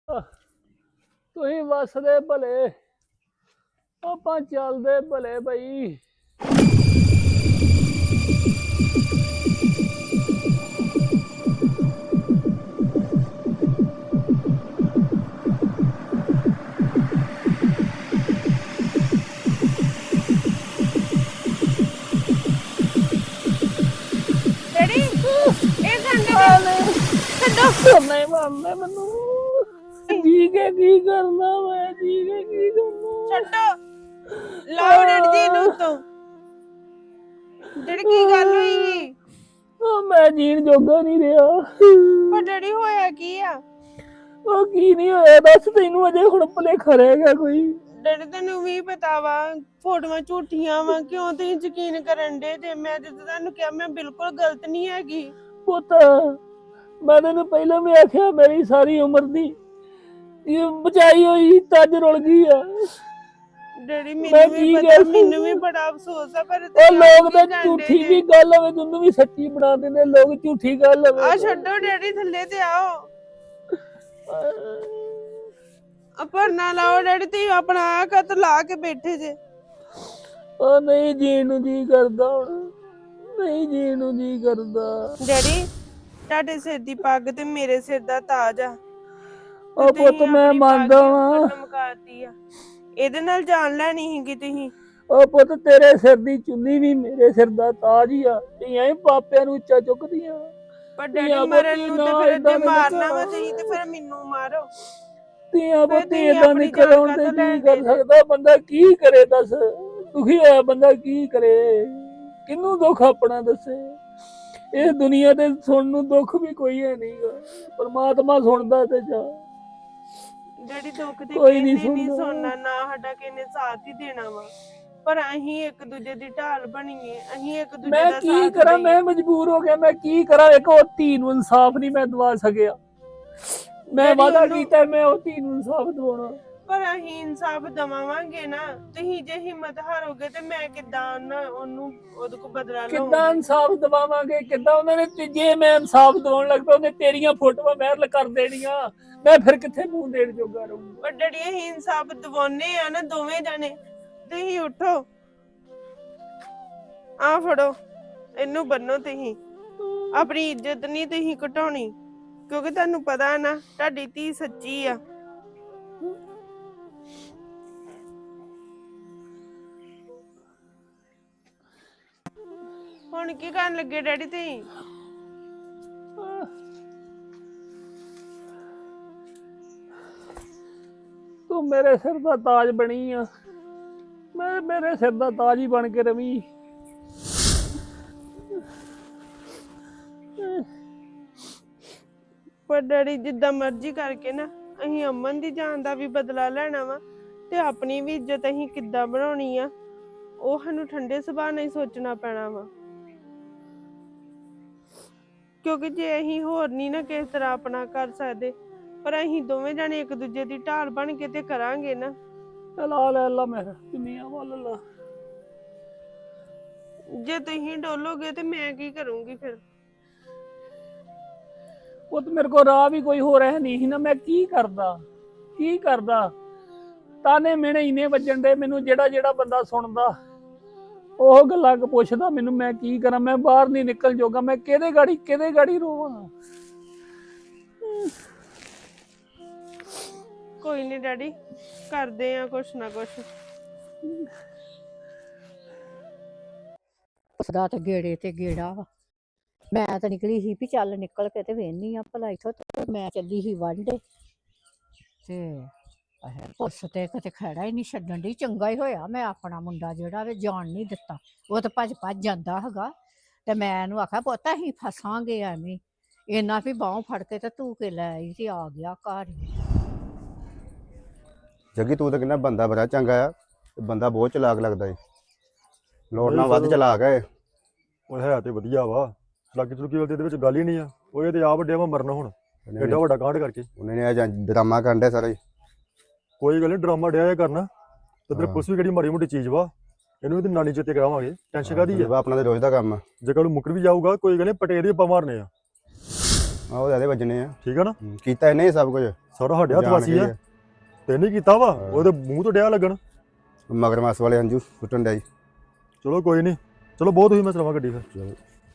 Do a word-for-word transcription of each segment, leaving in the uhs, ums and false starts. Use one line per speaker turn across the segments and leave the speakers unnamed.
ਤੁਸੀਂ ਵਸਦੇ ਭਲੇ, ਆਪਾਂ ਚੱਲਦੇ ਭਲੇ ਬਈ।
ਡੈਡੀ ਇਹ ਗੰਡੇ ਛੱਡੋ।
ਨਹੀਂ ਮੰਨਦੇ ਮੈਨੂੰ। ਜੀ ਕੇ ਕੀ ਕਰਨਾ ਮੈਂ, ਜੀ ਕੇ ਕੀ ਕਰਨਾ।
ਛੱਡੋ ਲਾਓ ਡੈਡੀ ਜੀ ਨੂੰ ਤੋਂ। ਡੈਡੀ ਕੀ ਗੱਲ ਹੋਈ?
ਉਹ ਮੈਂ ਜੀਣ ਜੋਗਾ ਨਹੀਂ ਰਿਹਾ।
ਪਰ ਡੈਡੀ ਹੋਇਆ ਕੀ ਆ?
ਉਹ ਕੀ ਨਹੀਂ ਹੋਇਆ ਦੱਸ, ਤੈਨੂੰ ਅਜੇ ਹੁਣ ਭੁਲੇਖਾ ਰਹਿ ਗਿਆ ਕੋਈ?
ਡੈਡੀ ਤੈਨੂੰ ਵੀ ਪਤਾ ਵਾ ਫੋਟੋਆਂ ਝੂਠੀਆਂ ਵਾ, ਕਿਉਂ ਤੁਸੀਂ ਯਕੀਨ ਕਰਨ ਦੇ ਜੇ? ਮੈਂ ਜਦੋਂ ਤੁਹਾਨੂੰ ਕਿਹਾ ਮੈਂ ਬਿਲਕੁਲ ਗਲਤ ਨਹੀਂ ਹੈਗੀ।
ਪੁੱਤ ਮੈਂ ਤੈਨੂੰ ਪਹਿਲਾਂ ਵੀ ਆਖਿਆ, ਮੇਰੀ ਸਾਰੀ ਉਮਰ ਦੀ ਇਹ ਬਚਾਈ ਹੋਈ ਤੱਜ ਰੁਲ ਗਈ ਆ।
ਡੈਡੀ ਮੈਨੂੰ ਵੀ ਪਤਾ, ਮੈਨੂੰ ਵੀ ਬੜਾ ਅਫਸੋਸ ਆ, ਪਰ
ਉਹ ਲੋਕ ਤਾਂ ਝੂਠੀ ਵੀ ਗੱਲ ਹੋਵੇ ਤੈਨੂੰ ਵੀ ਸੱਚੀ ਬਣਾ ਦਿੰਦੇ, ਲੋਕ ਝੂਠੀ ਗੱਲ ਹੋਵੇ।
ਆ ਛੱਡੋ ਡੈਡੀ, ਥੱਲੇ ਤੇ ਆਓ। ਪਰ ਨਾ ਲਾਓ ਡੈਡੀ, ਤੁਸੀਂ ਆਪਣਾ ਆ ਕਤ ਲਾ ਕੇ ਬੈਠੇ ਜੇ।
ਉਹ ਨਹੀਂ ਜੀਣ ਨੂੰ ਜੀ ਕਰਦਾ ਹੁਣ, ਨਹੀਂ ਜੀਣ ਨੂੰ ਜੀ ਕਰਦਾ।
ਡੈਡੀ ਤੁਹਾਡੇ ਸਿਰ ਦੀ ਪੱਗ ਤੇ ਮੇਰੇ ਸਿਰ ਦਾ ਤਾਜ ਆ।
ਉਹ ਪੁੱਤ ਮੈਂ ਮੰਨਦਾ ਵਾਂ,
ਮੁਕਾਤੀ ਆ, ਇਹਦੇ ਨਾਲ ਜਾਨ ਲੈਣੀ ਸੀਗੀ ਤੁਸੀਂ।
ਉਹ ਪੁੱਤ ਤੇਰੇ ਸਿਰ ਦੀ ਚੁੰਨੀ ਵੀ ਮੇਰੇ ਸਿਰ ਦਾ ਤਾਜ ਹੀ ਆ। ਧੀਆਂ ਹੀ ਪਾਪਿਆਂ ਨੂੰ ਉੱਚਾ ਚੁੱਕਦੀਆਂ।
ਪਰ ਡੈਡੀ ਮਰਨ ਨੂੰ ਤੇ ਫਿਰ ਜੇ ਮਾਰਨਾ ਵਾ ਤੁਸੀਂ ਤੇ ਫਿਰ ਮੈਨੂੰ ਮਾਰੋ।
ਧੀਆਂ ਪੁੱਤੀ ਏਦਾਂ ਨਿਕਲ ਆਉਣ ਤੇ ਕੀ ਕਰ ਸਕਦਾ ਬੰਦਾ, ਕੀ ਕਰੇ ਦੱਸ? ਦੁਖੀ ਹੋਇਆ ਬੰਦਾ ਕੀ ਕਰੇ, ਕਿਹਨੂੰ ਦੁੱਖ ਆਪਣਾ ਦੱਸੇ? ਇਸ ਦੁਨੀਆ ਤੇ ਸੁਣਨ ਨੂੰ ਦੁੱਖ ਵੀ ਕੋਈ ਹੈ ਨਹੀਂਗਾ, ਪਰਮਾਤਮਾ ਸੁਣਦਾ ਤੇ ਜਾ।
ਡੈਡੀ ਦੁੱਖ ਤੇ ਕੋਈ ਨਹੀਂ ਸੁਣਨਾ, ਨਾ ਸਾਡਾ ਕਿਹਨੇ ਸਾਥ ਹੀ ਦੇਣਾ ਵਾ, ਪਰ ਅਸੀਂ ਇੱਕ ਦੂਜੇ ਦੀ ਢਾਲ ਬਣੀਏ, ਅਸੀਂ ਇੱਕ ਦੂਜੇ ਦਾ ਸਾਥ ਦਈਏ।
ਮੈਂ ਕੀ ਕਰਾਂ, ਮੈਂ ਮਜਬੂਰ ਹੋ ਗਿਆ, ਮੈਂ ਕੀ ਕਰਾਂ? ਇੱਕ ਉਹ ਧੀ ਨੂੰ ਇਨਸਾਫ ਨਹੀਂ ਮੈਂ ਦਵਾ ਸਕਿਆ। ਮੈਂ ਵਾਅਦਾ ਕੀਤਾ ਮੈਂ ਉਹ ਧੀ ਨੂੰ ਇਨਸਾਫ ਦਵਾਉਣਾ,
ਪਰ ਅਸੀਂ ਇਨਸਾਫ ਦਵਾਵਾਂਗੇ ਨਾ। ਤੁਸੀਂ ਜੇ ਹਿੰਮਤ ਹਾਰੋਗੇ ਤੇ ਮੈਂ ਕਿੱਦਾਂ ਨਾ ਉਹਨੂੰ ਉਹਦੇ ਕੋਲ ਬਦਲਾ ਲਵਾਂ?
ਕਿੱਦਾਂ ਇਨਸਾਫ ਦਵਾਵਾਂਗੇ? ਕਿੱਦਾਂ? ਉਹਨਾਂ ਨੇ ਜੇ ਮੈਂ ਇਨਸਾਫ ਦਵਾਉਣ ਲੱਗ ਪਿਆ ਉਹਨੇ ਤੇਰੀਆਂ ਫੋਟੋਆਂ ਵਾਇਰਲ ਕਰ ਦੇਣੀਆਂ, ਮੈਂ ਫਿਰ ਕਿੱਥੇ ਮੂੰਹ ਦੇਣ ਜੋਗਾ ਰਹੂੰਗਾ?
ਪਰ ਡੈਡੀ ਅਸੀਂ ਇਨਸਾਫ ਦਵਾਉਨੇ ਆ ਨਾ ਦੋਵੇਂ ਜਾਣੇ। ਤੁਸੀਂ ਉੱਠੋ, ਆ ਫੜੋ ਇਹਨੂੰ ਬੰਨੋ। ਤੁਸੀਂ ਆਪਣੀ ਇੱਜ਼ਤ ਨਹੀਂ ਤੁਸੀਂ ਘਟਾਉਣੀ, ਕਿਉਂਕਿ ਤੁਹਾਨੂੰ ਪਤਾ ਨਾ ਤੁਹਾਡੀ ਧੀ ਸੱਚੀ ਆ। ਹੁਣ ਕੀ ਕਰਨ ਲੱਗੇ ਡੈਡੀ ਤੁਸੀਂ?
ਤੂੰ ਮੇਰੇ ਸਿਰ ਦਾ ਤਾਜ ਬਣੀ ਆ, ਮੈਂ ਮੇਰੇ ਸਿਰ ਦਾ ਤਾਜ ਹੀ ਬਣ ਕੇ ਰਵੀ।
ਪਰ ਡੈਡੀ ਜਿੱਦਾਂ ਮਰਜ਼ੀ ਕਰਕੇ ਨਾ ਅਸੀਂ ਅਮਨ ਦੀ ਜਾਨ ਦਾ ਵੀ ਬਦਲਾ ਲੈਣਾ ਵਾ, ਤੇ ਆਪਣੀ ਵੀ ਇੱਜ਼ਤ ਅਸੀਂ ਕਿੱਦਾਂ ਬਣਾਉਣੀ ਆ ਉਹ ਸਾਨੂੰ ਠੰਡੇ ਸੁਭਾਅ ਨਾਲ ਹੀ ਸੋਚਣਾ ਪੈਣਾ ਵਾ। ਕਿਉਂਕਿ ਜੇ ਅਸੀਂ ਹੋਰ ਨਹੀਂ ਨਾ ਕਿਸ ਤਰ੍ਹਾਂ ਆਪਣਾ ਕਰ ਸਕਦੇ, ਪਰ ਅਸੀਂ ਦੋਵੇਂ ਜਾਣੇ ਇੱਕ ਦੂਜੇ ਦੀ ਢਾਲ ਬਣ ਕੇ ਤੇ ਕਰਾਂਗੇ ਨਾ।
ਲਾ ਲੈ ਲਾ ਮੈਂ ਦੁਨੀਆ ਵੱਲ ਲਾ।
ਜੇ ਤੁਸੀਂ ਡੋਲੋਗੇ ਤੇ ਮੈਂ ਕੀ ਕਰੂੰਗੀ ਫਿਰ?
ਉਹ ਤੇ ਮੇਰੇ ਕੋਲ ਰਾਹ ਵੀ ਕੋਈ ਹੋਰ ਹੈ ਨਹੀਂ ਸੀ ਨਾ, ਮੈਂ ਕੀ ਕਰਦਾ ਕੀ ਕਰਦਾ? ਤਾਨੇ ਮਿਹਣੇ ਇੰਨੇ ਵੱਜਣ ਦੇ ਮੈਨੂੰ, ਜਿਹੜਾ ਜਿਹੜਾ ਬੰਦਾ ਸੁਣਦਾ ਉਹ ਗੱਲਾਂ ਪੁੱਛਦਾ ਮੈਨੂੰ, ਮੈਂ ਕੀ ਕਰਾਂ? ਮੈਂ ਬਾਹਰ ਨਹੀਂ ਨਿਕਲ ਜੋਗਾ, ਮੈਂ ਕਿਹਦੇ ਗਾੜੀ ਕਿਹਦੇ ਗਾੜੀ ਰੋਵਾਂ?
ਕੋਈ ਨਹੀਂ ਡੈਡੀ, ਕਰਦੇ ਆ ਕੁਛ ਨਾ ਕੁਛ।
ਉਸਦਾ ਤੇ ਗੇੜੇ ਤੇ ਗੇੜਾ ਵਾ। ਮੈਂ ਤਾਂ ਨਿਕਲੀ ਸੀ ਵੀ ਚੱਲ ਨਿਕਲ ਕੇ ਤੇ ਵੇਹਨੀ ਆ ਭਲਾ ਇੱਥੋਂ, ਮੈਂ ਚੱਲੀ ਸੀ ਵਾਂਢੇ ਤੇ ਪੁਲਿਸ ਤੇ ਕਿਤੇ ਖੜਾ ਹੀ ਨਹੀਂ ਛੱਡਣ ਦੀ। ਚੰਗਾ ਹੀ ਹੋਇਆ ਮੈਂ ਆਪਣਾ ਮੁੰਡਾ ਜਿਹੜਾ ਵੇ ਜਾਣ ਨਹੀਂ ਦਿੱਤਾ, ਉਹ ਤਾਂ ਭੱਜ ਭੱਜ ਜਾਂਦਾ ਹੈਗਾ। ਤੇ ਮੈਂ ਇਹਨੂੰ ਆਖਿਆ ਪੁੱਤ ਅਸੀਂ ਫਸਾਂਗੇ ਐਵੇਂ, ਇੰਨਾ ਵੀ ਬਾਹੋਂ ਫੜ ਕੇ ਤੇ ਤੂੰ ਕੇ ਲੈ ਆਈ ਤੇ ਆ ਗਿਆ ਘਰ।
ਜੱਗੀ ਤੂੰ ਤਾਂ ਕਹਿੰਦਾ ਬੰਦਾ ਬੜਾ ਚੰਗਾ ਆ, ਬੰਦਾ ਬਹੁਤ ਚਲਾਕ ਲੱਗਦਾ ਏ, ਲੋੜ ਨਾਲ ਵੱਧ ਚਲਾਕ ਹੈ।
ਉਹ ਹੈ ਤੇ ਵਧੀਆ ਵਾ, ਚਲਾਕੀ ਚਲੂਕੀ ਵਾਲੀ ਇਹਦੇ ਵਿੱਚ ਗੱਲ ਹੀ ਨਹੀਂ ਆ। ਉਹ ਇਹ ਤੇ ਆ ਵੱਡਿਆ ਵਾ ਮਰਨਾ ਹੁਣ ਐਡਾ ਵੱਡਾ ਕਾਂਡ ਕਰਕੇ।
ਉਹਨੇ ਨੇ ਡਰਾਮਾ ਕਰਨ ਡਿਆ ਸਾਰਾ ਹੀ।
ਕੋਈ ਗੱਲ ਨਹੀਂ, ਡਰਾਮਾ ਡਿਆ ਇਹ ਕਰਨਾ ਤੇ ਤੇਰੇ ਪੁਲਿਸ ਵੀ ਕਿਹੜੀ ਮਾੜੀ ਮੋਟੀ ਚੀਜ਼ ਵਾ, ਇਹਨੂੰ ਇਹਦੀ ਨਾਨੀ ਚੇਤੇ ਕਰਾਵਾਂਗੇ। ਟੈਨਸ਼ਨ ਕਾਹਦੀ ਆ?
ਆਪਣਾ ਤੇ ਰੋਜ਼ ਦਾ ਕੰਮ ਆ।
ਜੇ ਕੱਲ ਮੁੱਕਰ ਵੀ ਜਾਊਗਾ ਕੋਈ ਗੱਲ ਨਹੀਂ, ਪਟੇਰ ਹੀ ਆਪਾਂ ਮਾਰਨੇ ਆ।
ਆ ਉਹ ਜ਼ਿਆਦਾ ਵੱਜਣੇ ਆ।
ਠੀਕ ਆ ਨਾ,
ਹੂੰ, ਕੀਤਾ ਇਹਨੇ ਹੀ ਸਭ ਕੁਝ।
ਸਾਰਾ ਸਾਡੇ ਹੱਥ
ਜਾਣ
ਵਾਸੀ
ਕੇ
ਆ,
ਹੀ
ਤੇ ਨਹੀਂ ਕੀਤਾ ਵਾ ਉਹਦੇ ਮੂੰਹ ਤੋਂ ਡਿਆ ਲੱਗਣ।
ਮਗਰਮੱਛ ਵਾਲੇ ਅੰਜੂ ਸੁੱਟਣ ਡਿਆ ਜੀ।
ਚਲੋ ਕੋਈ ਨਹੀਂ, ਚਲੋ ਬਹੁਤ ਹੋਈ, ਮੈਂ ਚਲਾਵਾਂ ਗੱਡੀ ਫਿਰ।
ਚਲੋ।